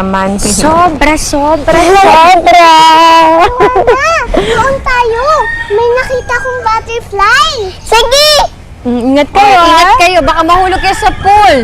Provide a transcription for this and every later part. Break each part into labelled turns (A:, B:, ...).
A: naman.
B: Sobra!
C: Doon tayo! May nakita kong butterfly! Sige!
A: Ingat kayo,
B: Ingat kayo, baka mahulog kayo sa pool.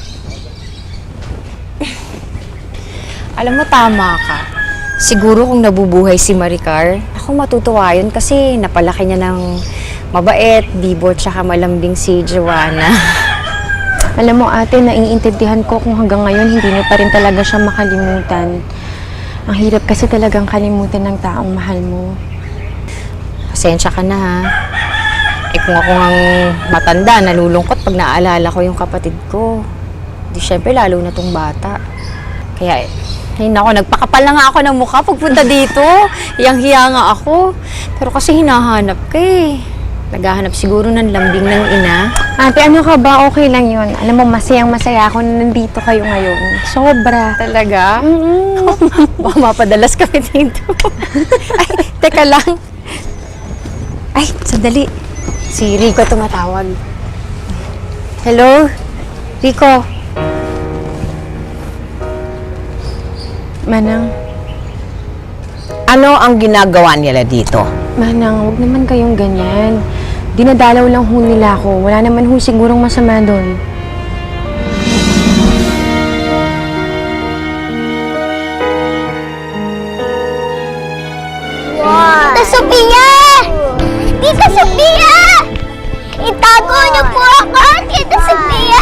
B: Alam mo, tama ka. Siguro kung nabubuhay si Maricar, ako matutuwa yun kasi napalaki niya ng mabait, bibo, tsaka malambing si Joanna.
A: Alam mo ate, naiintindihan ko kung hanggang ngayon hindi niyo pa rin talaga siya makalimutan. Ang hirap kasi talagang kalimutan ng taong mahal mo.
B: Pasensya ka na ha. Eh kung ako ngang matanda, nalulungkot pag naaalala ko yung kapatid ko. Di syempre lalo na tong bata. Kaya ay nako, nagpakapal na nga ako ng mukha pagpunta dito. Hiyang-hiya nga ako. Pero kasi hinahanap ka eh. Naghahanap siguro ng lambing ng ina.
A: Ate, ano ka ba? Okay lang yun. Alam mo, masayang-masaya ako na nandito kayo ngayon. Sobra.
B: Talaga? Baka mapadalas kami dito. Ay, teka lang. Ay, sandali. Si Rico tumatawag. Hello? Rico?
A: Manang,
D: Ano ang ginagawa nila dito?
A: Manang, huwag naman kayong ganyan. Dinadalaw lang ho nila ako. Wala naman ho sigurong masama doon.
C: Tita Sophia! Tita Sophia! Itago niyo po ako, Tita Sophia!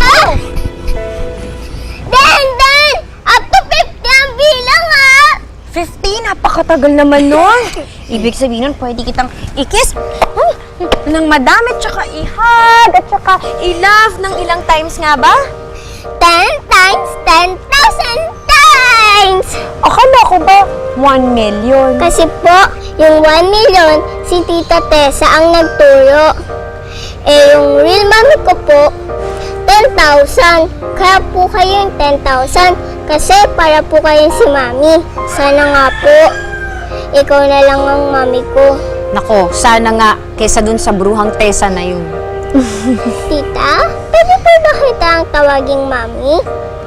C: Dan! Up to 50 ang bilang, ha!
B: 50? Napakatagal naman nun. Ibig sabihin nun, pwede kitang i-kiss ng madami, tsaka i-hug, at tsaka i-love ng ilang times nga ba?
C: 10 times 10,000 times!
A: Akala ko ba 1 million?
C: Kasi po, yung 1 million, si Tita Tessa ang nagturo. Eh, yung real mommy ko po, 10,000. Kaya po kayo yung 10,000. Kasi para po kayo si mami. Sana nga po, ikaw na lang ang mami ko.
B: Nako, sana nga, kesa dun sa bruhang Tessa na yun.
C: Tita, pwede po ba kita ang tawaging mami?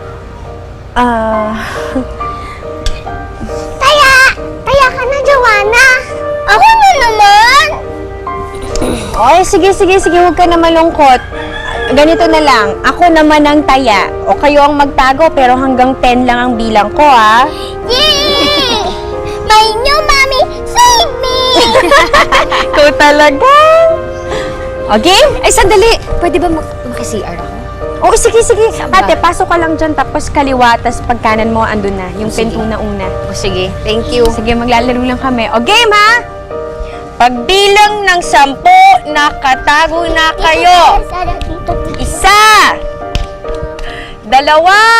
C: Taya ka na, Joanna. Ako na naman.
A: Oy, sige, huwag ka na malungkot. Ganito na lang, ako naman ang taya. O kayo ang magtago, pero hanggang 10 lang ang bilang ko, ha?
C: Yay! My new mommy, save me!
A: Ikaw talaga.
B: Okay? Ay, sandali! Pwede ba maki-CR ako?
A: Oo, sige.
B: Saan ba?
A: Ate, pasok ka lang dyan, tapos kaliwa, tapos pagkanan mo, andun na. Yung
B: Sige.
A: pinto na una.
B: O sige, thank you.
A: Sige, maglalaro lang kami. O, game, ha? Pagbilang ng 10, nakatago na kayo. Isa! 2! 3! 4! 5! 6!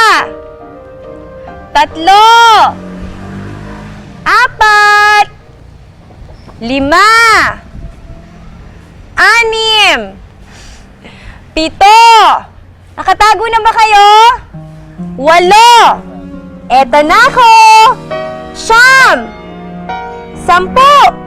A: 7! Nakatago na ba kayo? 8! Eto na ako! 9! 10!